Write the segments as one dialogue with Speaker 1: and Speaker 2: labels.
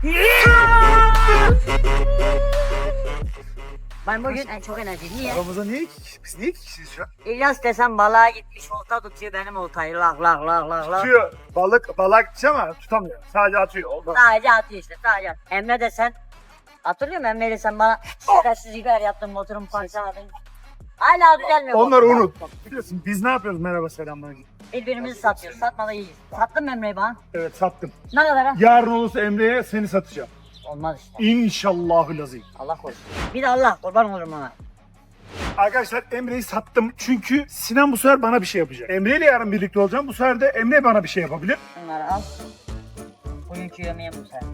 Speaker 1: Ben bugün en çok enerji. Niye?
Speaker 2: Aramızda niye iki kişi? Biz niye iki kişiyiz şu an?
Speaker 1: İlyas desem balığa gitmiş olta tutuyor benim oltayı lak lak lak lak lak.
Speaker 2: Tutuyor. Balık gideceğim ama tutamıyor. Sadece atıyor. Olmaz.
Speaker 1: Sadece atıyor işte sadece at. Emre desen hatırlıyor musun Emre desen bana stressiz biber yaptın motorumu parçaladın. Hala düzelmiyor.
Speaker 2: Onları unut. Biliyorsun biz ne yapıyoruz merhaba selamlar.
Speaker 1: Birbirimizi satıyoruz. Satmalı iyiyiz. Sattın mı Emre'yi bana?
Speaker 2: Evet sattım.
Speaker 1: Ne kadar ha?
Speaker 2: Yarın olursa Emre'ye seni satacağım.
Speaker 1: Olmaz işte.
Speaker 2: İnşallahülazim.
Speaker 1: Allah korusun. Bir de Allah kurban olurum ona.
Speaker 2: Arkadaşlar Emre'yi sattım çünkü Sinan bu sefer bana bir şey yapacak. Emre ile yarın birlikte olacağım. Bu sefer de Emre bana bir şey yapabilir.
Speaker 1: Bunları al. Bugünkü yemeğim bu sefer.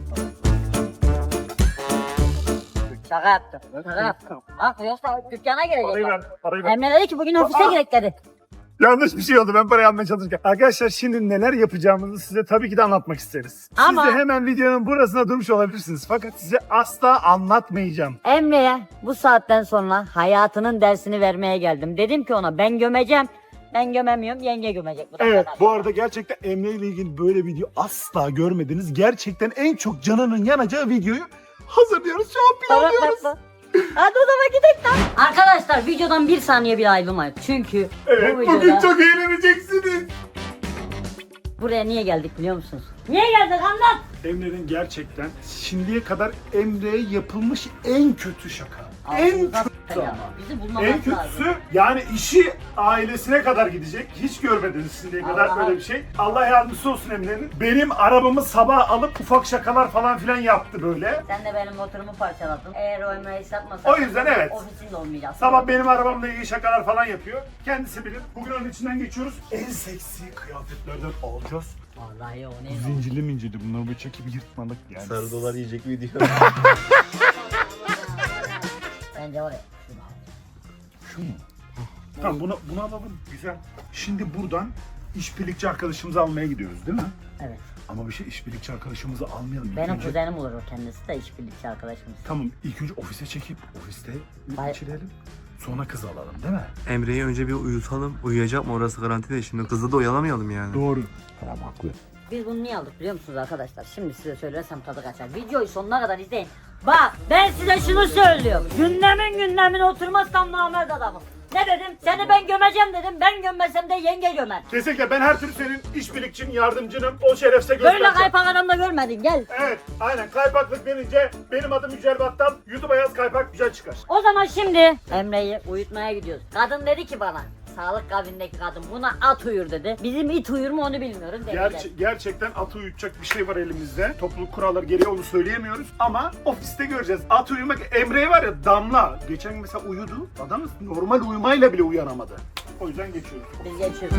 Speaker 1: Şaka yaptım. Şaka yaptım. Bak yoksa dükkana
Speaker 2: Parayı ver.
Speaker 1: girecek.
Speaker 2: Parayı ver.
Speaker 1: Emre dedi ki bugün ofise girek dedi.
Speaker 2: Yanlış bir şey oldu. Ben parayı almaya çalışırken. Arkadaşlar şimdi neler yapacağımızı size tabii ki de anlatmak isteriz.
Speaker 1: Ama-
Speaker 2: Siz de hemen videonun burasına durmuş olabilirsiniz. Fakat size asla anlatmayacağım.
Speaker 1: Emre'ye bu saatten sonra hayatının dersini vermeye geldim. Dedim ki ona ben gömeceğim. Ben gömemiyorum, yenge gömecek. Bu da
Speaker 2: Evet
Speaker 1: kadar.
Speaker 2: bu arada gerçekten Emre ile ilgili böyle video asla görmediniz. Gerçekten en çok canının yanacağı videoyu hazırlıyoruz. Şu an planlıyoruz.
Speaker 1: Bak. Hadi o zaman gidelim lan. Arkadaşlar videodan bir saniye bile ayrılmayın. Çünkü
Speaker 2: Evet
Speaker 1: bu videoda
Speaker 2: bugün çok eğleneceksiniz.
Speaker 1: buraya niye geldik biliyor musunuz? Niye geldik anlat.
Speaker 2: Emre'nin gerçekten şimdiye kadar Emre'ye yapılmış en kötü şaka. En
Speaker 1: Ağzınıza
Speaker 2: kötü
Speaker 1: s**eyim.
Speaker 2: ama.
Speaker 1: Bizi bulmamız
Speaker 2: En
Speaker 1: lazım.
Speaker 2: kötüsü yani işi ailesine kadar gidecek. Hiç görmediniz şimdiye kadar
Speaker 1: Allah.
Speaker 2: böyle bir şey. Allah yardımcısı olsun Emre'nin. Benim arabamı sabah alıp ufak şakalar falan filan yaptı böyle.
Speaker 1: Sen de benim motorumu parçaladın. Eğer o Emre'yi satmasan
Speaker 2: O yüzden evet.
Speaker 1: ofisinde olmayacağız.
Speaker 2: Sabah benim arabamla ilgili şakalar falan yapıyor. Kendisi bilir. Bugün onun içinden geçiyoruz. En seksi kıyafetlerden alacağız.
Speaker 1: Vallahi o ne?
Speaker 2: Zincirli mincirli bunları böyle çekip yırtmalık yani.
Speaker 3: Sarı dolar yiyecek video.
Speaker 1: Bence oraya.
Speaker 2: Şu mu? Tamam bunu alalım. Güzel. Şimdi buradan işbirlikçi arkadaşımızı almaya gidiyoruz değil mi?
Speaker 1: Evet.
Speaker 2: Ama bir şey işbirlikçi arkadaşımızı almayalım. İlk
Speaker 1: Benim
Speaker 2: önce-
Speaker 1: kuzenim olur o kendisi de işbirlikçi arkadaşımız.
Speaker 2: Tamam ilk önce ofise çekip ofiste
Speaker 1: Hayır.
Speaker 2: geçirelim. Sonra kızı alalım değil mi?
Speaker 3: Emre'yi önce bir uyutalım. Uyuyacak mı orası garanti değil. Şimdi kızı da oyalamayalım yani.
Speaker 2: Doğru. Tamam haklı.
Speaker 1: Biz bunu niye aldık biliyor musunuz arkadaşlar? Şimdi size söylersem tadı kaçar. Videoyu sonuna kadar izleyin. Bak ben size şunu söylüyorum. Günlemin oturmazsam namert adamım. Ne dedim? Seni ben gömeceğim dedim. Ben gömmesem de yenge gömer.
Speaker 2: Kesinlikle ben her türlü senin işbirlikçin, yardımcınım. O şerefse göstereceğim.
Speaker 1: Böyle kaypak adamda görmedin gel.
Speaker 2: Evet aynen kaypaklık denince benim adım Yücel Battal. YouTube'a yaz kaypak güzel çıkar.
Speaker 1: O zaman şimdi Emre'yi uyutmaya gidiyoruz. Kadın dedi ki bana. Sağlık kabinindeki kadın buna at uyur dedi. Bizim it uyur mu onu bilmiyorum.
Speaker 2: Gerçekten atı uyutacak bir şey var elimizde. Topluluk kuralları gereği onu söyleyemiyoruz. Ama ofiste göreceğiz. At uyumak, Emre'ye var ya Damla. Geçen gün mesela uyudu. Adam normal uyumayla bile uyanamadı. O yüzden geçiyoruz.
Speaker 1: Biz geçiyoruz.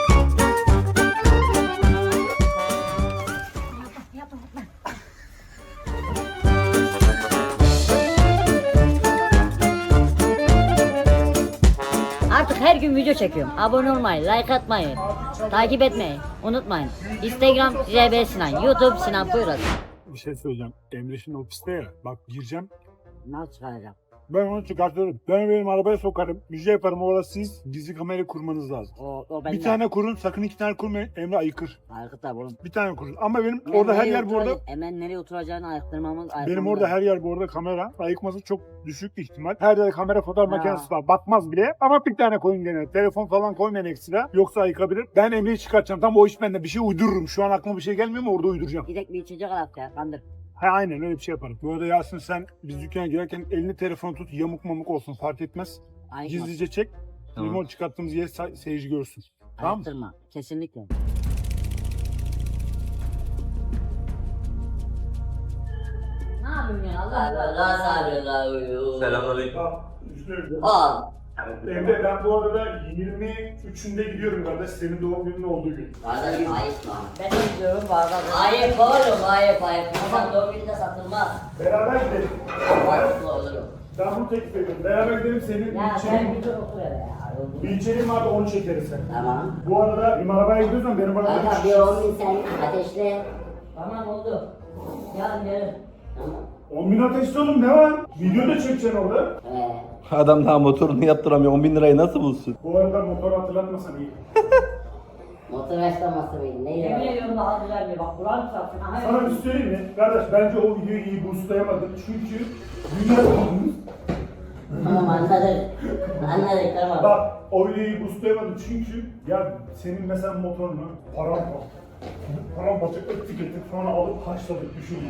Speaker 1: Artık her gün video çekiyorum. Abone olmayı, like atmayı, takip etmeyi unutmayın. Instagram JB Sinan, YouTube Sinan Buyurun.
Speaker 2: Bir şey söyleyeceğim. Emre şimdi ofiste ya. Bak gireceğim.
Speaker 1: Nasıl çıkaracağım?
Speaker 2: Ben onu çıkartırım. Ben benim arabaya sokarım. Bir şey yaparım. Orada siz gizli kamera kurmanız lazım.
Speaker 1: O bende.
Speaker 2: Bir tane kurun. Sakın iki tane kurmayın. Emre ayıkır.
Speaker 1: Aykut abi oğlum.
Speaker 2: Bir tane kurun. Ama benim orada her yer bu arada...
Speaker 1: Hemen nereye oturacağını ayıktırmamız.
Speaker 2: Benim orada her yer bu arada kamera. Ayıkması çok düşük bir ihtimal. Her yerde kamera fotoğraf
Speaker 1: Ha.
Speaker 2: makinesi var. Batmaz bile. Ama bir tane koyun gene. Telefon falan koymayın ekstra. Yoksa ayıkabilir. Ben Emre'yi çıkartacağım. Tam o iş bende. Bir şey uydururum. Şu an aklıma bir şey gelmiyor ama orada uyduracağım.
Speaker 1: Gidek bir içecek alak ya kandır.
Speaker 2: Ha aynen öyle bir şey yaparım. Bu arada Yasin sen biz dükkana girerken elini telefonu tut. Yamuk mamuk olsun fark etmez.
Speaker 1: Ayıkma.
Speaker 2: Gizlice çek.
Speaker 3: Tamam.
Speaker 2: Limon çıkarttığımız yer seyirci görsün. Tamam mı?
Speaker 1: Ayıktırma. Kesinlikle. Ne yapıyorsun ya Allah Allah.
Speaker 3: Selamünaleyküm.
Speaker 1: Al.
Speaker 2: Emre ben bu arada 23'ünde gidiyorum kardeş. Senin doğum günün olduğu gün.
Speaker 1: Kardeşim ayıkma. Ben de gidiyorum bazen. Ayıp oğlum ayıp. İnsan doğum gününde satılmaz.
Speaker 2: Beraber gidelim.
Speaker 1: Ayıplı olurum.
Speaker 2: Ben bunu teklif ediyorum. Beraber gidelim senin
Speaker 1: Ya
Speaker 2: bir
Speaker 1: sen
Speaker 2: içeriğin.
Speaker 1: bir dur otur hele ya.
Speaker 2: Bir içeriğin vardı onu çekeriz sen.
Speaker 1: Tamam.
Speaker 2: Bu arada benim arabaya gidiyorsan benim arabaya
Speaker 1: Kanka bir 10 bin sen ateşle. Tamam oldu. Yarın gelin. Tamam.
Speaker 2: 10 bin ateşli oğlum ne var? Video da çekeceksin orada.
Speaker 3: Adam daha motorunu yaptıramıyor. 10.000 lirayı nasıl bulsun?
Speaker 2: Bu arada motoru hatırlatmasan iyi.
Speaker 1: Motor yaşlaması mıydı? Neydi? Yemin ediyorum daha güzel bir bak. Buranın tarafına.
Speaker 2: Sana bir şey söyleyeyim mi? Kardeş bence o videoyu iyi boostlayamadın çünkü dünya
Speaker 1: Tamam anladık. Anladık tamam.
Speaker 2: Bak o videoyu iyi boostlayamadın çünkü ya senin mesela motorunu paramparça ettik sonra alıp haşladık düşünme.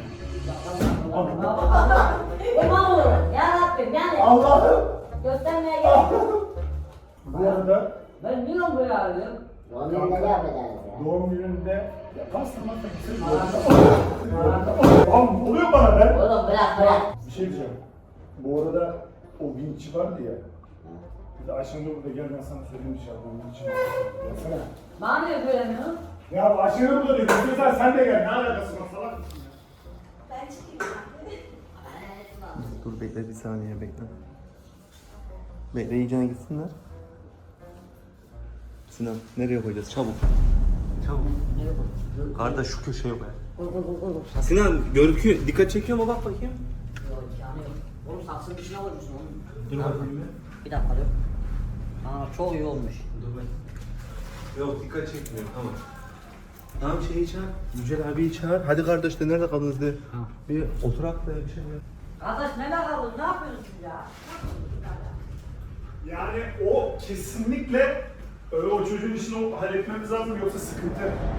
Speaker 1: Kurban olurum. Ya Rabbim yani.
Speaker 2: Allah'ım!
Speaker 1: Göstermeye gerek
Speaker 2: Bu arada
Speaker 1: Ben niye böyle arıyorum? Doğum gününde ne yapacağız ya?
Speaker 2: doğum gününde yaparsın lan Oğlum oluyor bana be.
Speaker 1: Oğlum bırak.
Speaker 2: Bir şey diyeceğim. Bu arada o vinçi vardı ya. Bir de Ayşenur burada gel ben sana söyleyeyim inşallah. O vinçi var. Gelsene.
Speaker 1: Bana niye söylemiyorsun?
Speaker 2: Ya Ayşenur burada diyor. Güzel sen de gel. Ne alakası var salak mısın ya?
Speaker 4: Ben çıkayım.
Speaker 3: Dur bekle bir saniye bekle. Bekle iyicene gitsinler. Sinan nereye koyacağız çabuk. Çabuk. Kardeş şu köşeye koy. Sinan görüküyor. Dikkat çekiyor mu bak bakayım.
Speaker 1: Yok imkanı yok. Oğlum saksının dışına koymuşsun oğlum.
Speaker 3: Dur bakayım
Speaker 1: Bir dakika dur. Aa çok iyi olmuş.
Speaker 3: Dur ben. Yok dikkat çekmiyor tamam. Tamam şeyi çağır. Yücel abiyi çağır. Hadi kardeş de nerede kaldınız de. Bir oturak da bir şey ya.
Speaker 1: Kardeş ne bakalım ne yapıyorsunuz ya?
Speaker 2: Yani o kesinlikle öyle o çocuğun işini halletmemiz lazım yoksa sıkıntı.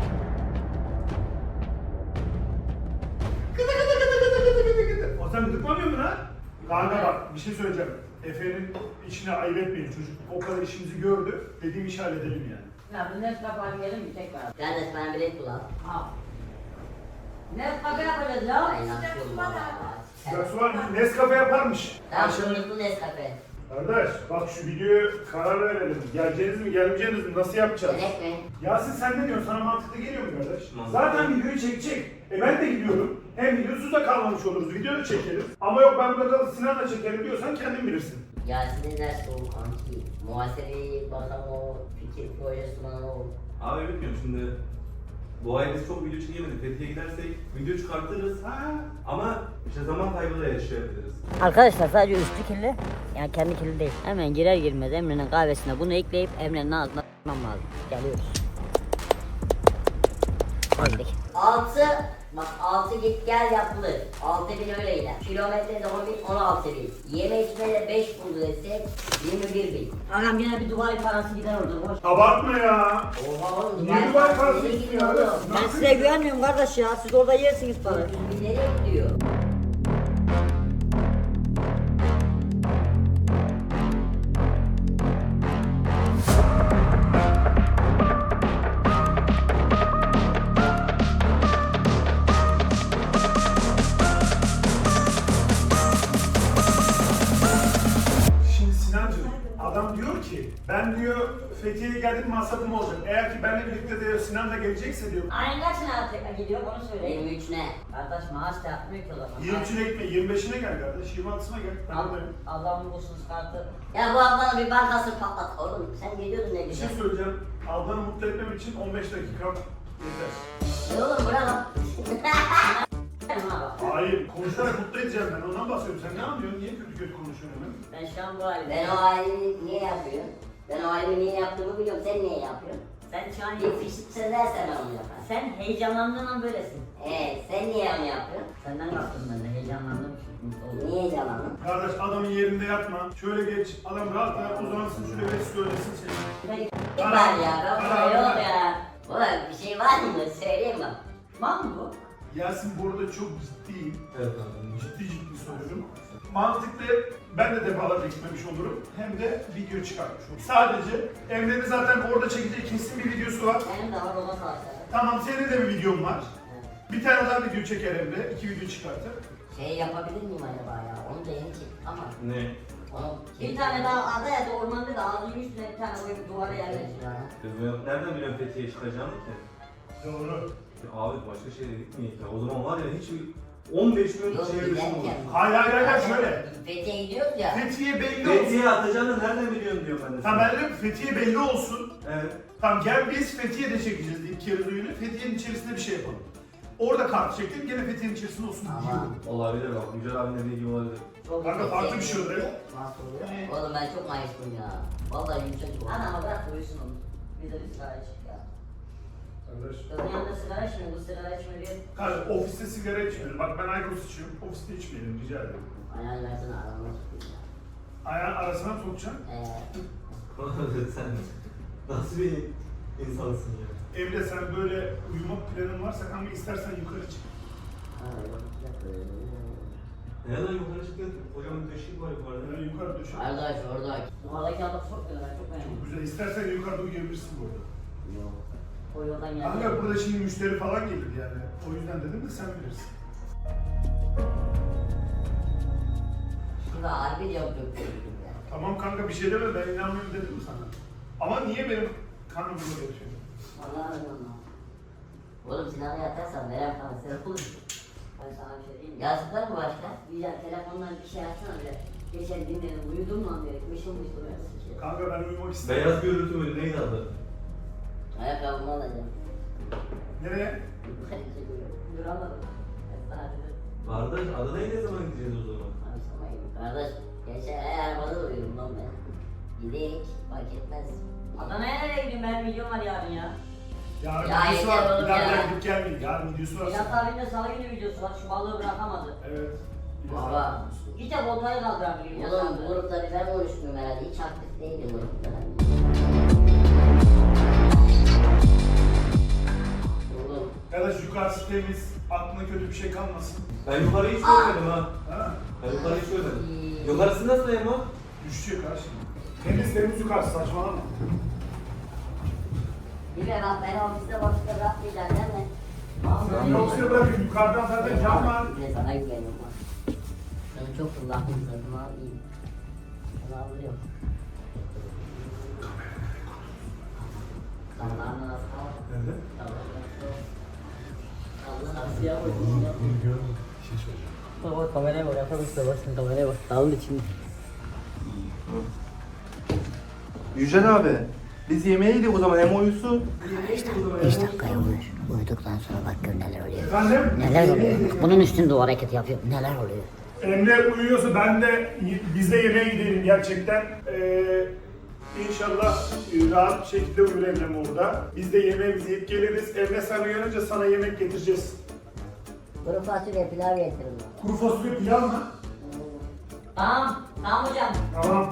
Speaker 2: O sen gıdıklamıyor mu lan? Kanka bak bir şey söyleyeceğim. Efe'nin işine ayıp etmeyin çocuk. O kadar işimizi gördü. Dediğim işi halledelim yani.
Speaker 1: Ya bu ne yapalım gelin mi tekrar?
Speaker 5: Kardeş bana bilet bul al.
Speaker 1: Al. Ne kaka yapacağız ya?
Speaker 5: Aynen yapıyorum valla.
Speaker 2: Bak Suvar Nescafe yaparmış.
Speaker 5: Tamam şunluklu Nescafe.
Speaker 2: Kardeş bak şu videoya karar verelim. Geleceğiniz mi gelmeyeceğiniz mi nasıl yapacağız?
Speaker 5: Gerek mi?
Speaker 2: Yasin sen ne diyorsun? Sana mantıklı geliyor mu kardeş? Zaten videoyu çekecek. Ben de gidiyorum. Hem videosuz da kalmamış oluruz. Video da çekeriz. Ama yok ben burada kalıp Sinan'la çekerim diyorsan kendin bilirsin.
Speaker 5: Yasin'in dersi o kanki. Muhasebeyi bakan o, fikir projesi o.
Speaker 6: Abi bilmiyorum şimdi bu ay biz çok video çekemedik. Fethiye gidersek video çıkartırız. Ama işte zaman kaybı da yaşayabiliriz.
Speaker 1: Arkadaşlar sadece üstü kirli. Yani kendi kirli değil. Hemen girer girmez Emre'nin kahvesine bunu ekleyip Emre'nin ağzına s**mam lazım. Geliyoruz. Hadi.
Speaker 5: 6, bak 6 git gel yapılır. 6.000 öyle gider. Kilometre de 10.000, 16.000. Yeme içme de 5 buldu desek 21.000.
Speaker 1: Ağam yine bir Dubai parası gider orada. Boş.
Speaker 2: Abartma ya.
Speaker 5: Oha oğlum
Speaker 2: Niye Dubai parası
Speaker 5: nereye
Speaker 2: istiyor
Speaker 5: gidiyor
Speaker 2: öyle?
Speaker 5: oğlum?
Speaker 1: Ben size güvenmiyorum kardeş ya. Siz orada yersiniz parayı.
Speaker 5: 100.000 nereye gidiyor?
Speaker 2: Şimdi Sinancığım adam diyor ki ben diyor Fethiye'ye geldim masrafım olacak. Eğer ki benimle birlikte diyor Sinan da gelecekse diyor.
Speaker 1: Ayın kaçına tekrar gidiyor onu söyleyin.
Speaker 5: 23 ne?
Speaker 1: Kardeş maaş da yapmıyor ki o zaman.
Speaker 2: 23'üne gitme 25'ine gel kardeş 26'sına gel. Ben buradayım.
Speaker 1: Allah'ın bulsun kartı.
Speaker 5: Ya bu ablanın bir bankasını patlat oğlum. Sen geliyordun ne
Speaker 2: Bir şey
Speaker 5: güzel.
Speaker 2: söyleyeceğim. Ablanı mutlu etmem için 15 dakika yeter.
Speaker 5: Ne oğlum bırak lan.
Speaker 2: Hayır, konuşarak mutlu edeceğim ben. Ondan bahsediyorum. Sen ne anlıyorsun? Niye kötü kötü konuşuyorsun hemen?
Speaker 1: Ben şu an bu halim.
Speaker 5: Ben o halimi niye yapıyorum? Ben o halimi niye yaptığımı biliyorum. Sen niye yapıyorsun?
Speaker 1: Sen şu an
Speaker 5: Bir fişlik söylersen ben onu yaparım.
Speaker 1: Sen heyecanlandığın an böylesin.
Speaker 5: Sen niye onu yapıyorsun?
Speaker 1: Senden kalktım ben de heyecanlandım. Mutlu oldum.
Speaker 5: Niye heyecanlandın?
Speaker 2: Kardeş adamın yerinde yatma. Şöyle geç. Adam rahat rahat uzansın. Şöyle geç söylesin seni.
Speaker 5: Ne var ya? Kafada yok ya. Ulan bir şey var mı? Söyleyeyim bak.
Speaker 1: Var mı bu?
Speaker 2: Yasin burada çok ciddiyim.
Speaker 6: Evet abi.
Speaker 2: Ciddi söylüyorum. Mantıklı ben de defalarca gitmemiş olurum. Hem de video çıkartmış olurum. Sadece Emre'nin zaten orada çekeceği kesin bir videosu var.
Speaker 5: Benim de var ona kalacak.
Speaker 2: Tamam senin de bir videon var. Bir tane daha video çeker Emre. 2 video çıkartır.
Speaker 5: Şey yapabilir miyim acaba ya? Onu da yeni çektim ama.
Speaker 6: Ne?
Speaker 5: Onu
Speaker 1: Bir tane daha adaya da ormanda da ağzının üstüne bir tane koyup duvara yerleştir.
Speaker 6: Biz nereden biliyorsun Fethiye'ye çıkacağını ki?
Speaker 2: Doğru.
Speaker 6: Abi başka şehre gitmeyiz ya. O zaman var ya hiç 15 gün
Speaker 5: Yok,
Speaker 6: şehir dışı olur.
Speaker 5: giderken.
Speaker 2: Hayır şöyle.
Speaker 5: Fethiye'ye gidiyoruz ya.
Speaker 2: Fethiye belli olsun.
Speaker 6: Fethiye'ye atacağını nereden biliyorsun diyor ben de.
Speaker 2: Tamam ben diyorum Fethiye belli olsun.
Speaker 6: Evet.
Speaker 2: Tamam gel biz Fethiye'de çekeceğiz ilk kere düğünü. Fethiye'nin içerisinde bir şey yapalım. Orada kart çektim gene Fethiye'nin içerisinde olsun
Speaker 5: Ama-
Speaker 2: diyorum.
Speaker 6: Olabilir bak. Yücel abinin dediği olabilir.
Speaker 2: Kanka farklı bir şey oluyor.
Speaker 5: Nasıl oluyor? Oğlum ben çok mayıştım ya. Vallahi yumuşak bu.
Speaker 1: Ana bırak uyusun onu. Bir de bir sahaya çık ya.
Speaker 2: Arkadaş.
Speaker 1: Kızın yanında sigara içmiyor, bu sigara içmiyor.
Speaker 2: Kanka ofiste sigara içmeyelim. Bak ben Aykos içiyorum. Ofiste içmeyelim rica ederim.
Speaker 5: Ayağını versene aramı tutayım.
Speaker 2: Ayağın arasına mı sokacaksın?
Speaker 6: Sen nasıl bir insansın ya?
Speaker 2: Emre sen böyle uyumak planın varsa kanka istersen yukarı çık.
Speaker 6: Nereden yukarı çıktın? Kocaman döşek var yukarıda.
Speaker 2: Böyle yukarı düşün.
Speaker 5: Kardeş orada.
Speaker 1: Oradaki adam çok güzel, çok beğendim.
Speaker 2: Güzel. İstersen yukarıda uyuyabilirsin burada.
Speaker 5: Yok.
Speaker 1: O yoldan geldi.
Speaker 2: Kanka burada şimdi müşteri falan gelir yani. O yüzden dedim de sen bilirsin.
Speaker 5: Şurada harbi yok yok.
Speaker 2: Tamam kanka bir şey deme ben inanmıyorum dedim sana. Ama niye benim karnım burada yatıyor?
Speaker 5: Vallahi Allah. Oğlum silahı yatarsan verem kanser olur.
Speaker 1: Ben sana bir şey diyeyim mi?
Speaker 5: Yazıklar mı başka?
Speaker 1: Güzel, telefondan bir şey açsana bile. Geçen dinledim, uyudun mu diye. Mışıl mışıl uyanırsın.
Speaker 2: Kanka ben uyumak istiyorum.
Speaker 6: Beyaz görüntü mü? Neydi adı?
Speaker 5: Ayakkabımı alacağım.
Speaker 2: Nereye?
Speaker 1: Duramadım. Ben sana dedim.
Speaker 6: Kardeş adı neydi, ne zaman gideceğiz o zaman?
Speaker 5: Kardeş, geçen ay arabada da uyudum lan ben. Gidik, fark etmez.
Speaker 1: Adana'ya nereye gidiyorsun? Benim videom var yarın ya.
Speaker 2: Yarın
Speaker 5: Ya
Speaker 2: videosu
Speaker 5: yeter
Speaker 2: var.
Speaker 5: oğlum
Speaker 2: Bir daha
Speaker 5: ya.
Speaker 2: gidip gelmeyin. Yarın videosu var.
Speaker 1: Milat abinin de salı günü videosu var. Şu balığı bırakamadı.
Speaker 2: Evet.
Speaker 5: Baba.
Speaker 1: Git de voltayı kaldıramıyor.
Speaker 5: Oğlum bu grupta bir ben konuşmuyorum herhalde. Hiç aktif değilim grupta. Oğlum.
Speaker 2: Arkadaş yukarısı temiz. Aklına kötü bir şey kalmasın.
Speaker 6: Ben yukarıyı hiç görmedim ha.
Speaker 2: Ha?
Speaker 6: Ben yukarıyı hiç görmedim. Yukarısı nasıl Erman?
Speaker 2: Düşecek ha şimdi. Temiz yukarısı saçmalama.
Speaker 5: Bir de bak ben ofiste boşta bırakmayacağım değil mi?
Speaker 2: Sen yoksa bırakın yukarıdan zaten cam var.
Speaker 5: Bir de sana güveniyorum bak. Ben çok kullandım zaten abi. Sana alıyorum. Allah'ın nasıl al?
Speaker 2: Nerede?
Speaker 5: Allah'ın nasıl ya? Bak kameraya bak, yapabilirsin bak şimdi kameraya bak. Dalın içinde.
Speaker 3: Yücel abi, biz yemeğe gidiyoruz o zaman, hem uyusun.
Speaker 5: 5 dakikaya uyur. Uyuduktan sonra bak gör neler oluyor.
Speaker 2: Efendim?
Speaker 5: Neler oluyor? Bunun üstünde o hareketi yapıyor. Neler oluyor?
Speaker 2: Emre uyuyorsa ben de biz de yemeğe gidelim gerçekten. İnşallah rahat bir şekilde uyur Emre'm orada. Biz de yemeğimizi yiyip geliriz. Emre sen uyanınca sana yemek getireceğiz.
Speaker 5: Kuru fasulye pilav getirin.
Speaker 2: Kuru fasulye pilav mı?
Speaker 1: Tamam. Tamam hocam.
Speaker 2: Tamam.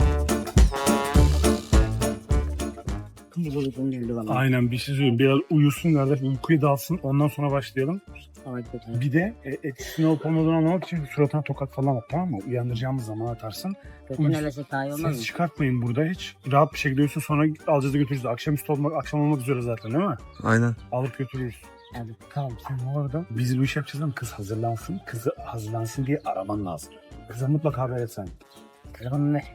Speaker 2: Aynen bir şey söyleyeyim. Biraz uyusun kardeş, uykuya dalsın. Ondan sonra başlayalım. Bir de etkisini olup olmadığını anlamak için suratına tokat falan at, tamam mı? Uyandıracağımız zaman atarsın.
Speaker 5: Kötü öyle şey daha iyi olmaz
Speaker 2: Ses
Speaker 5: mı?
Speaker 2: çıkartmayın burada hiç. Rahat bir şekilde uyusun, sonra alacağız da götürürüz. Akşam olmak üzere zaten değil mi?
Speaker 3: Aynen.
Speaker 2: Alıp götürürüz.
Speaker 5: Evet.
Speaker 2: Tamam sen bu arada biz bu işi yapacağız ama kız hazırlansın. Kızı hazırlansın diye araman lazım. Kıza mutlaka haber et sen.
Speaker 5: Telefonu ver.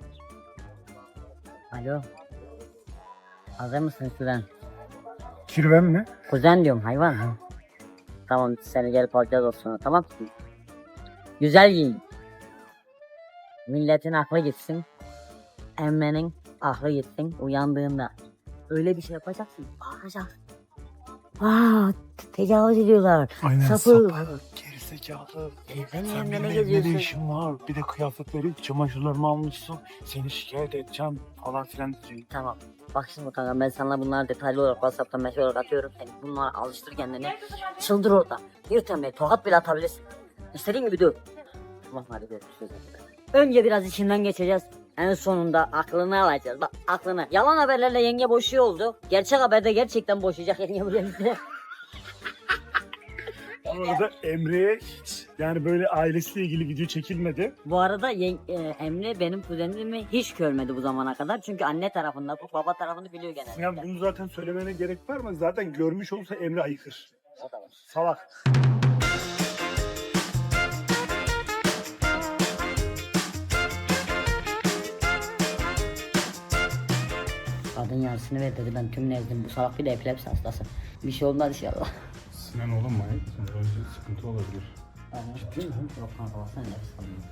Speaker 5: Alo. Hazır mısın Süren?
Speaker 2: Kirven mi?
Speaker 5: Kuzen diyorum hayvan. Tamam seni gelip alacağız o sonra tamam mı? Güzel giyin. Milletin aklı gitsin. Emmenin aklı gitsin uyandığında. Öyle bir şey yapacaksın. Bağıracaksın. Tecavüz ediyorlar. Sapık.
Speaker 2: Gerizekalı.
Speaker 5: Sen
Speaker 2: Sen
Speaker 5: yanında
Speaker 2: benim
Speaker 5: ne
Speaker 2: evde ne
Speaker 5: geziyorsun?
Speaker 2: işin var? Bir de kıyafetleri, çamaşırlarımı almışsın. Seni şikayet edeceğim falan filan diyecek.
Speaker 5: Tamam. Bak şimdi kanka ben sana bunları detaylı olarak WhatsApp'tan mesaj olarak atıyorum. Sen bunları alıştır kendini. Çıldır orada. Bir tane tokat bile atabilirsin. İstediğin gibi dur. Tamam hadi görüşürüz. Önce biraz içinden geçeceğiz. En sonunda aklını alacağız. Bak aklını. Yalan haberlerle yenge boşuyor oldu. Gerçek haberde gerçekten boşayacak yenge buraya bize.
Speaker 2: Bu arada Emre'ye hiç yani böyle ailesiyle ilgili video çekilmedi.
Speaker 5: Bu arada Emre benim kuzenimi hiç görmedi bu zamana kadar. Çünkü anne tarafında, baba tarafını biliyor genelde.
Speaker 2: Yani bunu zaten söylemene gerek var mı? Zaten görmüş olsa Emre ayıkır.
Speaker 5: O da var.
Speaker 2: Salak.
Speaker 5: Kadın yarısını ver dedi ben tüm nezdim. Bu salak bir de epilepsi hastası. Bir şey olmaz inşallah.
Speaker 2: Sinan oğlum manyak mısın? Böyle sıkıntı olabilir.
Speaker 5: Ciddi mi? Yok kanka baksana nefes almıyor.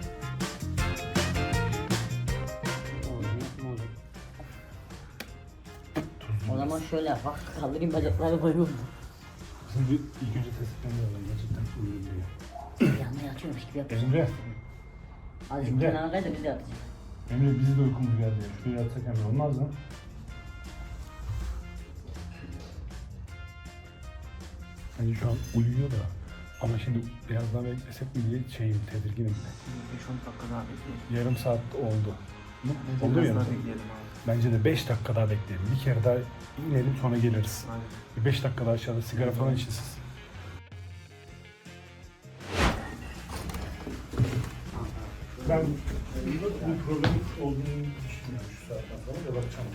Speaker 5: O zaman şöyle yap bak kaldırayım bacakları koyuyorum.
Speaker 2: Şimdi ilk önce tespitten alalım. Gerçekten uyuyor diye.
Speaker 5: Yanına yatıyormuş gibi yapacağım.
Speaker 2: Emre.
Speaker 5: Azıcık
Speaker 2: Emre.
Speaker 5: kenara kay da biz de yatacağız.
Speaker 2: Emre bizi de uykumuz geldi. Şuraya yatsak Emre olmaz mı?
Speaker 4: Hani şu an uyuyor da. Ama şimdi biraz daha beklesek mi diye tedirginim de.
Speaker 3: 5-10 dakika daha bekleyelim.
Speaker 4: Yarım saat oldu.
Speaker 3: Bence
Speaker 4: Oldu
Speaker 3: biraz
Speaker 4: yarım
Speaker 3: daha
Speaker 4: saat.
Speaker 3: bekleyelim abi.
Speaker 4: Bence de 5 dakika daha bekleyelim. Bir kere daha inelim sonra geliriz.
Speaker 3: Aynen.
Speaker 4: Bir 5 dakika daha aşağıda sigara falan için siz. Ben bu problemin olduğunu düşünmüyorum şu saatten sonra da bakacağım.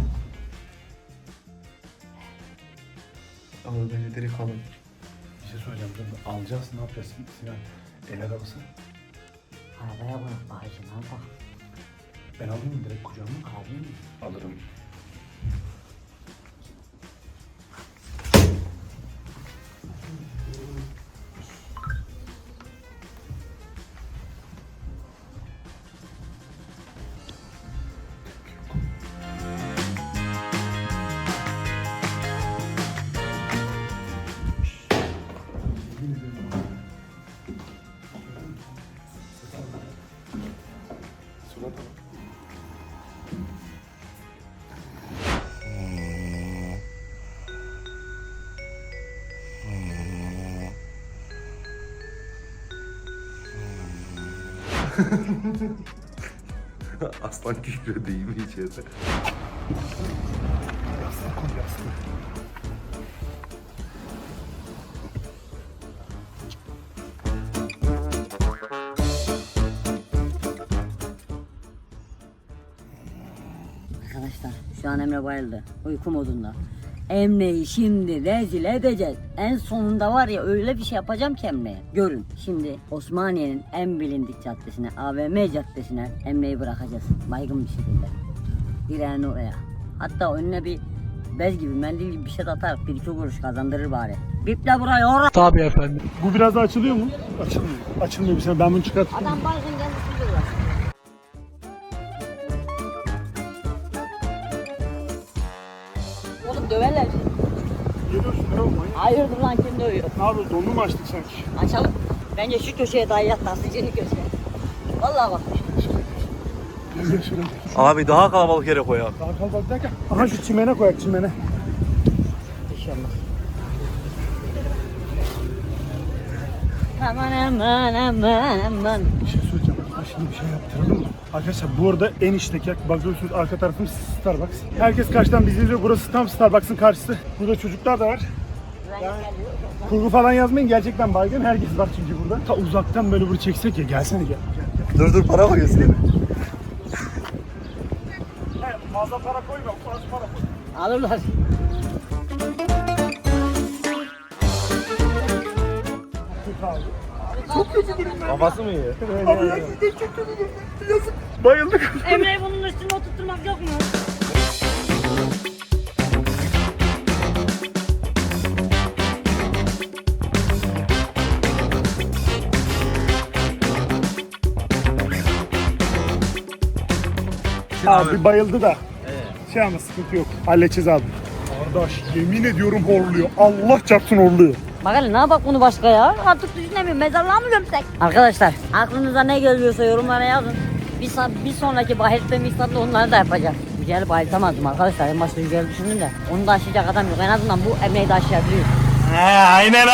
Speaker 3: Ama bence direkt alın.
Speaker 4: Bir şey söyleyeceğim. Dur, alacağız ne yapacağız Sinan? El arabası.
Speaker 1: Arabaya bırak bağcı ne yapalım?
Speaker 4: Ben alayım mı direkt kucağıma?
Speaker 1: Alayım mı?
Speaker 4: Alırım. Surata bak.
Speaker 3: Aslan kükredi değil mi içeride?
Speaker 4: Yastık koy yastık.
Speaker 5: Arkadaşlar şu an Emre bayıldı. Uyku modunda. Emre'yi şimdi rezil edeceğiz. En sonunda var ya öyle bir şey yapacağım ki Emre'ye. Görün şimdi Osmaniye'nin en bilindik caddesine, AVM caddesine Emre'yi bırakacağız. Baygın bir şekilde. Direğini oraya. Hatta önüne bir bez gibi, mendil gibi bir şey de atarak 1-2 kuruş kazandırır bari. Biple burayı oraya.
Speaker 4: Bu biraz daha açılıyor mu? Açılmıyor. Açılmıyor bir sene. Ben bunu çıkartayım.
Speaker 5: Adam baygın kendisi duruyor. Oğlum döverler.
Speaker 4: Geliyorsun ne olma ya?
Speaker 5: Hayırdır lan kim dövüyor?
Speaker 4: Ne yapıyoruz? Donunu mu açtık sanki?
Speaker 5: Açalım. Bence şu köşeye daha yat taslıcını köşeye. Vallahi bak.
Speaker 4: Gel şuraya.
Speaker 3: Abi daha kalabalık yere koy abi.
Speaker 4: Daha kalabalık derken. Aha şu çimene koyak çimene.
Speaker 5: İnşallah. Aman aman aman aman.
Speaker 4: Bir şey söyleyeceğim. Ha şimdi bir şey yaptıralım mı? Arkadaşlar bu arada en içteki bakıyorsunuz arka tarafımız Starbucks. Herkes karşıdan bizi izliyor. Burası tam Starbucks'ın karşısı. Burada çocuklar da var. Kurgu falan yazmayın. Gerçekten baygın. Herkes var çünkü burada. Ta uzaktan böyle burayı çeksek ya. Gelsene gel.
Speaker 3: Dur para koy üstüne.
Speaker 4: He, fazla para koyma. Az para koy.
Speaker 5: Alırlar.
Speaker 3: Kafası mı iyi?
Speaker 4: Abi gerçekten çok kötü. Yazık. Bayıldık.
Speaker 1: Emre'yi bunun üstüne oturtturmak yok mu?
Speaker 4: Abi bayıldı da. Şey ama sıkıntı yok. Halledeceğiz abi. Kardeş yemin ediyorum horluyor. Allah çarpsın horluyor.
Speaker 5: Bakalım ne yapak bunu başka ya? Artık düşünemiyorum. Mezarlığa mı gömsek? Arkadaşlar aklınıza ne geliyorsa yorumlara yazın. Bir sonraki bahiste misafirde onları da yapacağız. Yücel'i bayıltamazdım arkadaşlar. En başta Yücel'i düşündüm de. Onu da aşacak adam yok. En azından bu Emre'yi de aşabiliyor.
Speaker 3: Aynen.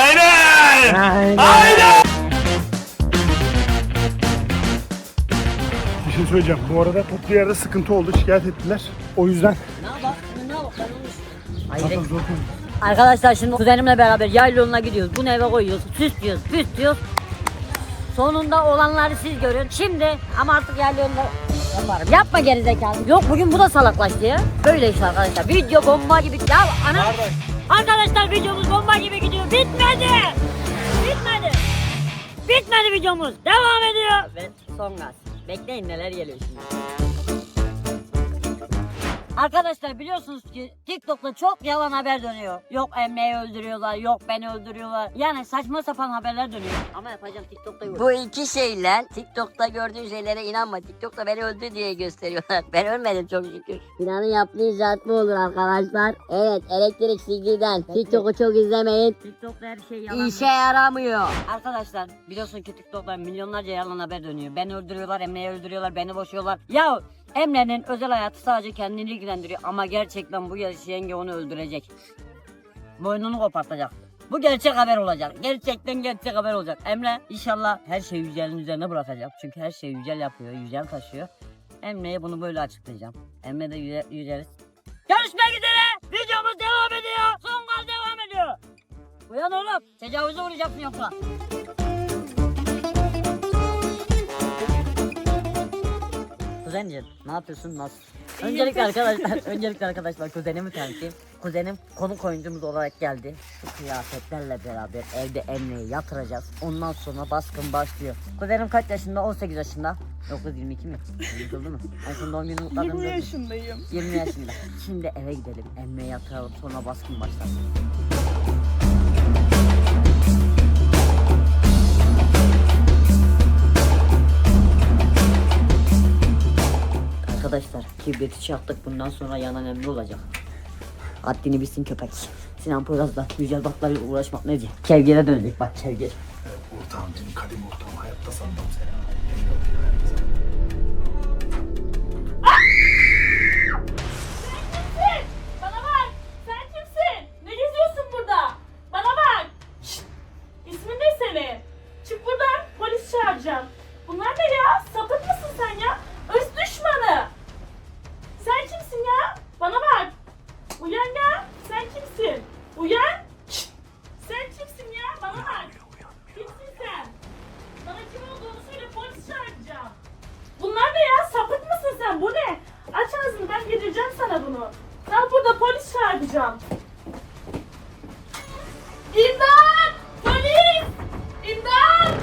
Speaker 4: Bir şey söyleyeceğim. Bu arada toplu yerde sıkıntı oldu. Şikayet ettiler. O yüzden
Speaker 5: Ne yapak? Ne yapak?
Speaker 4: zaten
Speaker 5: Hayır.
Speaker 4: zor konu.
Speaker 5: Arkadaşlar şimdi kuzenimle beraber yayla yoluna gidiyoruz. Bunu eve koyuyoruz. Süslüyoruz, püslüyoruz. Sonunda olanları siz görün. Şimdi ama artık yayla yolunda yaparım. Yapma gerizekalı. Yok bugün bu da salaklaştı ya. Böyle işte arkadaşlar. Video bomba gibi. Ya ana. Arkadaşlar videomuz bomba gibi gidiyor. Bitmedi. Bitmedi. Bitmedi videomuz. Devam ediyor. Ve son gaz. Bekleyin neler geliyor şimdi. Arkadaşlar biliyorsunuz ki TikTok'ta çok yalan haber dönüyor. Yok Emre'yi öldürüyorlar, yok beni öldürüyorlar. Yani saçma sapan haberler dönüyor. Ama yapacağım TikTok'ta yok. Bu iki şeyle TikTok'ta gördüğün şeylere inanma. TikTok'ta beni öldü diye gösteriyorlar. Ben ölmedim çok şükür. Planın yaptığı icraat bu olur arkadaşlar. Evet elektrik silgiden. TikTok'u çok izlemeyin. TikTok'ta her şey yalan. İşe yaramıyor. Arkadaşlar biliyorsun ki TikTok'ta milyonlarca yalan haber dönüyor. Beni öldürüyorlar, Emre'yi öldürüyorlar, beni boşuyorlar. Ya Emre'nin özel hayatı sadece kendini ilgilendiriyor ama gerçekten bu yarış yenge onu öldürecek. Boynunu kopartacak. Bu gerçek haber olacak. Gerçekten gerçek haber olacak. Emre inşallah her şeyi Yücel'in üzerine bırakacak. Çünkü her şeyi Yücel yapıyor. Yücel taşıyor. Emre'ye bunu böyle açıklayacağım. Emre de Yücel'i... Görüşmek üzere. Videomuz devam ediyor. Son gaz devam ediyor. Uyan oğlum. Tecavüze uğrayacaksın yoksa. Kuzencim ne yapıyorsun? Nasıl? Öncelikle arkadaşlar kuzenimi tanıtayım. Kuzenim konuk oyuncumuz olarak geldi. Şu kıyafetlerle beraber evde Emre'yi yatıracağız. Ondan sonra baskın başlıyor. Kuzenim kaç yaşında? 18 yaşında. Yok kız 22 mi? Yıkıldı mı? En son doğum günü kutladım.
Speaker 7: 20 yaşındayım.
Speaker 5: 20 yaşında. Şimdi eve gidelim. Emre'yi yatıralım sonra baskın başlar. Arkadaşlar kibriti çaktık, bundan sonra yanan Emre olacak. Haddini bilsin köpek. Sinan Poyraz'da Yücel Batlar'la uğraşmak nedir? Kevgire dönecek bak kevgir.
Speaker 2: Ortağım benim kadim ortağım hayatta sanmam seni.
Speaker 7: Bana bak! Sen kimsin? Ne geziyorsun burada? Bana bak! Şşt! İsmin ne senin? Çık buradan, polis çağıracağım. Bunlar ne ya? Sapık mısın sen ya? Öz düşmanı! Sen kimsin ya? Bana bak! Uyan ya! Sen kimsin? Uyan! Şşt! Sen kimsin ya? Bana bak! Kimsin sen? Bana kim olduğunu söyle, polis çağıracağım. Bunlar ne ya? Sapık mısın sen? Bu ne? Aç ağzını, ben getireceğim sana bunu. Al burada, polis çağıracağım. İmdat! Polis! İmdat!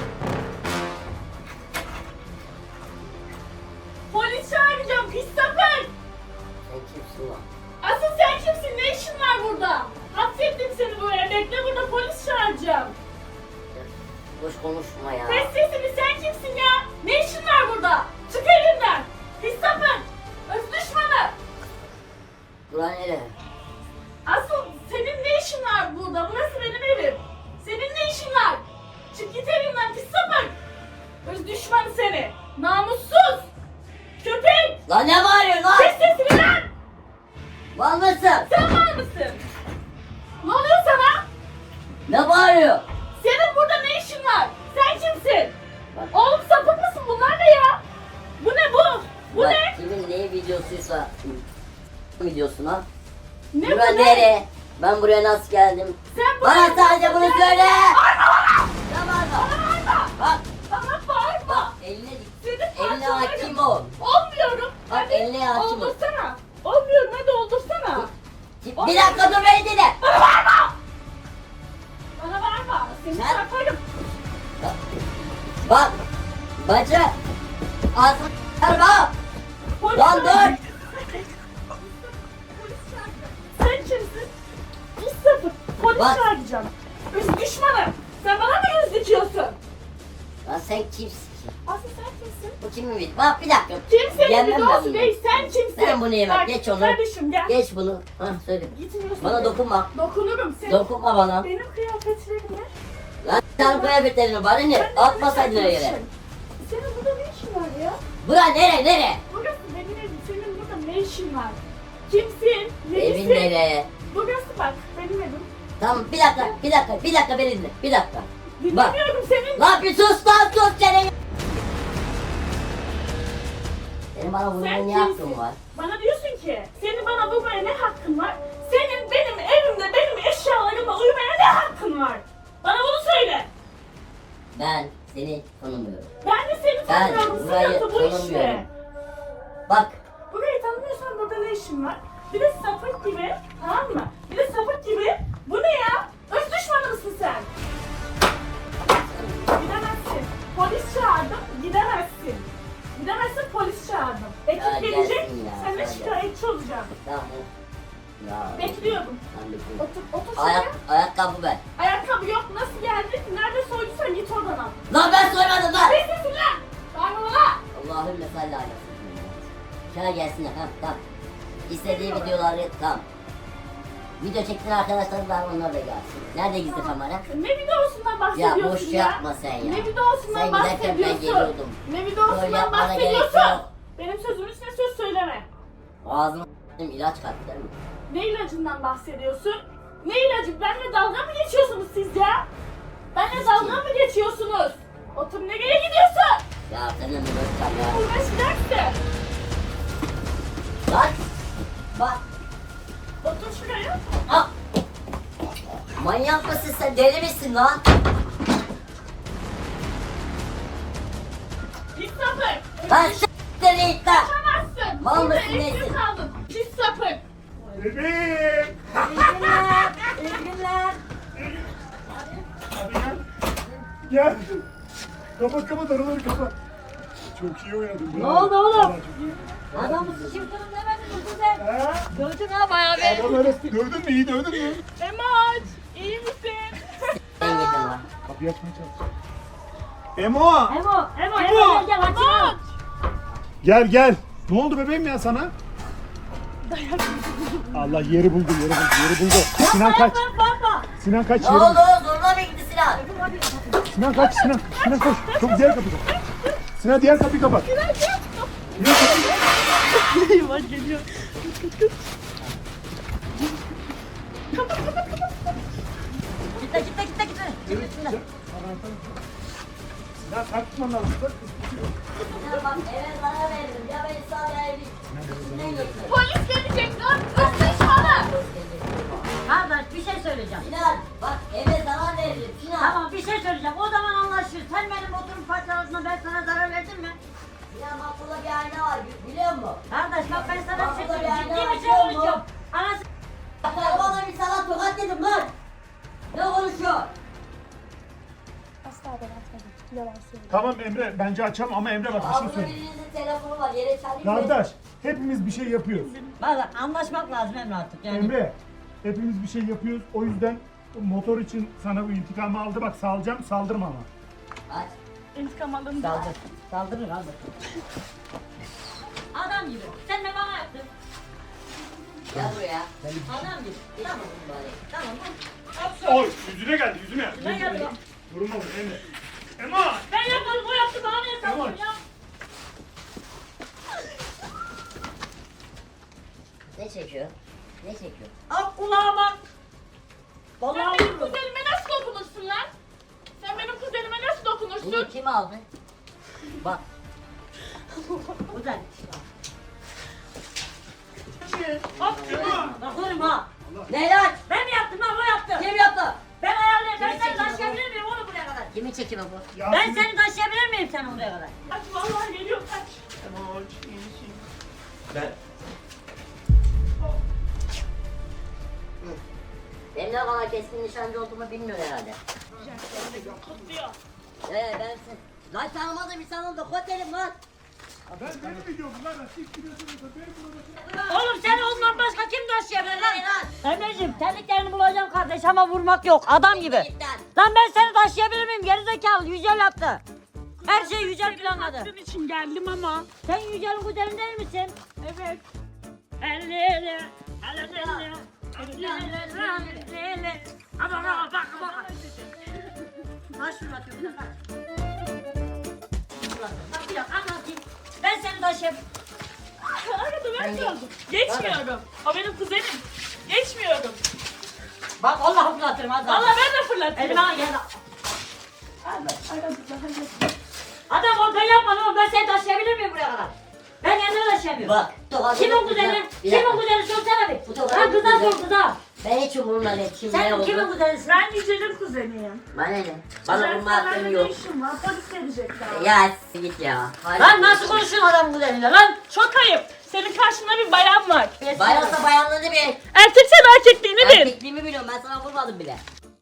Speaker 7: Polis çağıracağım, pis sapık!
Speaker 5: Sen kimsin lan?
Speaker 7: Asıl sen kimsin? Ne işin var burada? Hapsettim seni buraya. Bekle, burada polis çağıracağım.
Speaker 5: Boş konuşma ya.
Speaker 7: Kes sesini, sen kimsin ya? Ne işin var burada? Çık elimden! Pis sapık! Öz düşmanı!
Speaker 5: Ulan nereye?
Speaker 7: Asıl senin ne işin var burada? Burası benim evim. Senin ne işin var? Çık git evimden, pis sapık! Öz düşmanı seni! Namussuz! Köpek!
Speaker 5: Lan ne bağırıyorsun lan?
Speaker 7: Kes sesini lan!
Speaker 5: Var mısın?
Speaker 7: Sen var mısın? Ne oluyor sana?
Speaker 5: Ne bağırıyor?
Speaker 7: Senin burada ne işin var? Sen kimsin? Oğlum sapık mısın? Bunlar ne ya? Bu ne bu? Bu
Speaker 5: Bak,
Speaker 7: ne?
Speaker 5: kimin neyi videosuysa videosuna.
Speaker 7: Ne
Speaker 5: Bura
Speaker 7: bu ne?
Speaker 5: nere? Ben buraya nasıl geldim?
Speaker 7: Sen
Speaker 5: Bana
Speaker 7: buraya
Speaker 5: sadece
Speaker 7: nasıl
Speaker 5: bunu
Speaker 7: geldin?
Speaker 5: söyle.
Speaker 7: Bağırma!
Speaker 5: Ne bağırma?
Speaker 7: Bağırma!
Speaker 5: Bak,
Speaker 7: Bana bağırma!
Speaker 5: bak eline dik.
Speaker 7: Senin
Speaker 5: Eline
Speaker 7: parçalarım-
Speaker 5: hakim ol.
Speaker 7: Olmuyorum.
Speaker 5: Bak,
Speaker 7: Hadi
Speaker 5: eline hakim ol.
Speaker 7: oldursana. Olmuyorum, hadi oldursana.
Speaker 5: Bir dakika dur beni dinle.
Speaker 7: Bana bağırma! Bana bağırma. Seni
Speaker 5: Sen-
Speaker 7: çarparım.
Speaker 5: Bak, bacı. Ağzını bak.
Speaker 7: Polis
Speaker 5: Lan
Speaker 7: çağıracağım.
Speaker 5: dur.
Speaker 7: Polis çağıracağım. Sen kimsin? Pis sapık. Polis
Speaker 5: Bak.
Speaker 7: çağıracağım. Öz düşmanı. Sen bana mı göz dikiyorsun?
Speaker 5: Lan sen kimsin?
Speaker 7: Asıl sen kimsin?
Speaker 5: Bu kimin video? Bak bir dakika.
Speaker 7: Kimsenin
Speaker 5: Yemem ben
Speaker 7: videosu
Speaker 5: bunu.
Speaker 7: değil, sen kimsin?
Speaker 5: Sen bunu yeme,
Speaker 7: Bak,
Speaker 5: geç onu.
Speaker 7: Kardeşim gel.
Speaker 5: Geç bunu. Hah söyle.
Speaker 7: Gitmiyorsun.
Speaker 5: Bana dokunma.
Speaker 7: Dokunurum seni.
Speaker 5: Dokunma bana.
Speaker 7: Benim kıyafetlerimle.
Speaker 5: Lan sen kıyafetlerini bana ne?
Speaker 7: Sen de
Speaker 5: Atmasaydın
Speaker 7: sen
Speaker 5: yere.
Speaker 7: kimsin? Senin burada ne işin var ya?
Speaker 5: Bura nere?
Speaker 7: Burası benim evim. Senin burada ne işin var? Kimsin?
Speaker 5: Evin
Speaker 7: Necisin?
Speaker 5: nere?
Speaker 7: Burası bak benim evim.
Speaker 5: Tamam bir dakika beni dinle. Bir dakika. Bak.
Speaker 7: Dinlemiyorum senin.
Speaker 5: Lan bir sus lan sus seni. Senin bana
Speaker 7: Sen
Speaker 5: vurmaya ne
Speaker 7: kimsin?
Speaker 5: hakkın var?
Speaker 7: Bana diyorsun ki senin bana vurmaya ne hakkın var? Senin benim evimde benim eşyalarımla uyumaya ne hakkın var? Bana bunu söyle.
Speaker 5: Ben seni tanımıyorum.
Speaker 7: Ben de seni
Speaker 5: Ben
Speaker 7: tanımıyorum.
Speaker 5: burayı
Speaker 7: Sıkıntı bu
Speaker 5: tanımıyorum.
Speaker 7: işte.
Speaker 5: Bak
Speaker 7: Burayı tanımıyorsan burada ne işin var? Bir de sapık gibi, tamam mı? Bir de sapık gibi, bu ne ya? Öz düşmanı mısın sen? Gidemezsin. Polis çağırdım, gidemezsin. Gidemezsin, polis çağırdım. Ekip
Speaker 5: Ya
Speaker 7: gelecek,
Speaker 5: gelsin ya,
Speaker 7: seninle
Speaker 5: sen
Speaker 7: şikayetçi olacağım.
Speaker 5: tamam. Ya.
Speaker 7: Bekliyorum.
Speaker 5: Ben bekliyorum.
Speaker 7: Otur şuraya.
Speaker 5: Ayakkabı ver.
Speaker 7: Ayakkabı yok, nasıl geldin? Nerede soyduysan git oradan al.
Speaker 5: Lan ben soymadım lan.
Speaker 7: Ne sesin lan? Bağırma bana.
Speaker 5: Allahümme salli ala seyyidina. Şuna gelsinler tamam. İstediği videoları tamam. Video çektiğin arkadaşlarım var onlar da gelsin. Nerede gizli kamera?
Speaker 7: Ne videosundan
Speaker 5: Ya
Speaker 7: bahsediyorsun
Speaker 5: boş
Speaker 7: ya?
Speaker 5: yapma sen ya.
Speaker 7: Ne videosundan
Speaker 5: Sen giderken ben
Speaker 7: bahsediyorsun?
Speaker 5: geliyordum.
Speaker 7: Ne
Speaker 5: Böyle
Speaker 7: videosundan
Speaker 5: yapmana gerek
Speaker 7: bahsediyorsun?
Speaker 5: yok.
Speaker 7: Benim sözümün üstüne söz söyleme.
Speaker 5: Ağzıma ilaç kattı değil mi?
Speaker 7: Ne ilacından bahsediyorsun? Ne ilacı? Benimle dalga mı geçiyorsunuz siz ya? Benimle dalga mı geçiyorsunuz? Otur, nereye gidiyorsun?
Speaker 5: Ya seninle mi görüşeceğim ya?
Speaker 7: Uğraşacaksın.
Speaker 5: Lan! Bak!
Speaker 7: Otur şuraya.
Speaker 5: Ah! Manyak mısın sen? Deli misin lan?
Speaker 7: Pis sapık.
Speaker 5: Lan s***den it lan!
Speaker 7: Kaçamazsın.
Speaker 5: Mal
Speaker 7: Burada
Speaker 5: mısın,
Speaker 7: esir
Speaker 5: nesin?
Speaker 7: kaldın. Pis sapık.
Speaker 2: Bebeğim.
Speaker 5: İyi günler! İyi günler!
Speaker 2: Hadi gel. Gel. Kapat araları kapat. Çok iyi oynadın.
Speaker 1: Ne oldu oğlum?
Speaker 2: Vallahi çok iyi.
Speaker 1: Adamı sıçırtırım demedin mi sen?
Speaker 2: Ha?
Speaker 1: Dövdün ha bayağı bir.
Speaker 2: Adam öyle dövdün mü? İyi dövdün mü?
Speaker 7: Emoç, iyi misin?
Speaker 5: Ben yedim lan.
Speaker 2: Kapıyı açmaya çalış. Emo!
Speaker 1: Emo gel gel açın.
Speaker 2: Gel. Ne oldu bebeğim ya sana? Allah yeri buldu. Sinan kaç.
Speaker 1: Baba.
Speaker 2: Sinan kaç.
Speaker 5: Ne
Speaker 2: Yeri
Speaker 5: oldu?
Speaker 2: buldu.
Speaker 5: Zoruna mı gitti Sinan?
Speaker 2: Sinan kaç. Sinan koş. Çok diğer kapıyı kapat. Sinan diğer kapıyı kapat.
Speaker 5: Gitti. Yürüsünler.
Speaker 2: Sinan kalkman lazım.
Speaker 5: Ya bak eve zarar verdim. Ya beni sağ ya evi. Ne götür?
Speaker 7: Polis gelecek lan. Kızmış bana.
Speaker 1: Kardeş bir şey söyleyeceğim.
Speaker 5: Sinan bak eve zarar verdim. Sinan.
Speaker 1: Tamam bir şey söyleyeceğim. O zaman anlaşırız. Sen benim motorum parçalasına ben sana zarar verdim mi?
Speaker 5: Sinan bak burada bir ayna var. Biliyor musun?
Speaker 1: Kardeş bak ben sana bir şey
Speaker 5: Bak,
Speaker 1: söyleyeyim.
Speaker 5: bu da
Speaker 1: Ciddi
Speaker 5: bir
Speaker 1: bir şey
Speaker 5: ayna
Speaker 1: konuşuyorum. Anası
Speaker 5: Bak arabada bir sana tokat dedim lan. Ne konuşuyor?
Speaker 7: Asla ben atmadım. Yalan söylüyorum.
Speaker 2: Tamam Emre bence açalım ama Emre bak bir
Speaker 5: Aa
Speaker 2: şey
Speaker 5: burada
Speaker 2: söyle.
Speaker 5: birinizin telefonu var. Yere çalayım.
Speaker 2: Kardeş hepimiz bir şey yapıyoruz.
Speaker 1: Bak anlaşmak lazım Emre artık yani.
Speaker 2: Emre hepimiz bir şey yapıyoruz. O yüzden motor için sana bu intikamı aldı. Bak salacağım saldırma ama.
Speaker 5: Aç.
Speaker 7: İntikam alındı.
Speaker 1: Saldır. Saldırır abi. Adam gibi. Sen de bana yaptın.
Speaker 5: Gel buraya.
Speaker 1: Adam gibi.
Speaker 5: Tamam bari.
Speaker 1: Tamam.
Speaker 2: Oy yüzüne geldi yüzüne.
Speaker 1: Ne geldi?
Speaker 2: Vurma vur Emre. Ema!
Speaker 7: Ben yapmadım, o yaptı, bana niye sallıyorsun ya?
Speaker 5: Ne çekiyor? Ne çekiyor?
Speaker 1: Al kulağıma.
Speaker 7: Sen
Speaker 1: Vallahi
Speaker 7: benim
Speaker 1: vururum.
Speaker 7: kuzenime nasıl dokunursun lan? Sen benim kuzenime nasıl dokunursun?
Speaker 5: Bunu kim aldı?
Speaker 1: Bak. Güzel. Bak vururum ha.
Speaker 5: Ne lan?
Speaker 1: Ben mi yaptım lan o yaptı.
Speaker 5: Kim yaptı?
Speaker 1: Ben ayarlayayım. Ben
Speaker 5: Kim
Speaker 1: seni
Speaker 5: çekiyor
Speaker 1: taşıyabilir miyim oğlum buraya kadar?
Speaker 5: Kimin çekimi bu?
Speaker 2: Ya
Speaker 1: Ben
Speaker 2: siz-
Speaker 1: seni taşıyabilir miyim seni buraya kadar?
Speaker 7: Kaç, vallahi geliyor, kaç.
Speaker 6: Ben
Speaker 5: Benim ne kadar keskin nişancı olduğumu bilmiyor herhalde.
Speaker 7: Kutluyor.
Speaker 5: Ben lan tanımadığım insan oldu. Kotelim lan.
Speaker 2: Ben seni biliyorum lan. Siz biliyorsunuz da benim burada.
Speaker 1: Oğlum seni ondan başka kim taşıyabilir lan? Emre'cim terliklerini bulacağım kardeş ama vurmak yok adam gibi.
Speaker 5: Git lan.
Speaker 1: Lan ben seni taşıyabilir miyim gerizekalı Yücel yaptı. Her şeyi Yücel planladı.
Speaker 7: Senin için geldim ama.
Speaker 1: Sen Yücel'in kuzeni değil misin?
Speaker 7: Evet.
Speaker 1: Ama bak. Taş fırlatıyorum da kaç. Bak bir dakika anlatayım. Ben seni taşıyabilirim.
Speaker 7: Arada ben kaldım. Geçmiyorum. O benim kuzenim. Geçmiyorum.
Speaker 1: Bak Allah fırlatırım az daha.
Speaker 7: Vallahi ben de fırlatırım.
Speaker 1: Elime al gel. Adam o ben yapmadım oğlum ben seni taşıyabilir miyim buraya kadar? Ben kendimi taşıyamıyorum.
Speaker 5: Bak.
Speaker 1: Kimin kuzeni? Kimin kuzeni sorsana bir.
Speaker 5: Bu tokadı
Speaker 1: Lan kıza
Speaker 5: kuzeni.
Speaker 1: sor kıza.
Speaker 5: Ben hiç umurumda değil. Kim ne
Speaker 1: Sen
Speaker 5: oldu?
Speaker 1: kimin kuzenisin?
Speaker 7: Ben Yücel'in kuzeniyim.
Speaker 5: Bana ne? Bana vurma hakkın
Speaker 7: ne
Speaker 5: yok.
Speaker 7: işim var? Polis gelecekler.
Speaker 5: Ya git ya. Hadi.
Speaker 1: Lan nasıl konuşuyorsun adamın kuzeniyle lan?
Speaker 7: Çok ayıp. Senin karşında bir bayan var.
Speaker 5: Bayansa bayanlığını bil.
Speaker 7: Erkeksen erkekliğini bil.
Speaker 5: Erkekliğimi biliyorum. Ben sana vurmadım bile.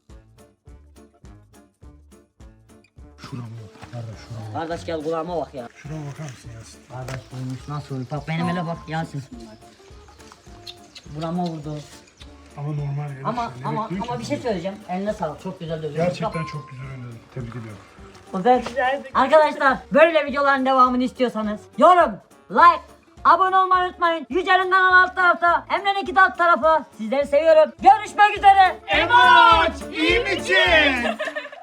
Speaker 1: Kardeş gel kulağıma bak ya.
Speaker 2: Şuna bakar mısın Yasin?
Speaker 1: Kardeş olmuş nasıl olmuş? Bak benim ele bak Yasin. Burama vurdu.
Speaker 2: Ama normal.
Speaker 1: Ama bir şey söyleyeceğim. Eline sağlık. Çok güzel dövüyorsun.
Speaker 2: Gerçekten çok güzel oynadın. Tebrik ediyorum.
Speaker 1: Güzel. Arkadaşlar böyle videoların devamını istiyorsanız yorum, like, abone olmayı unutmayın. Yücel'in kanalı alt tarafta, Emre'nin alt tarafı. Sizleri seviyorum. Görüşmek üzere.
Speaker 2: Emoç! İyi misin?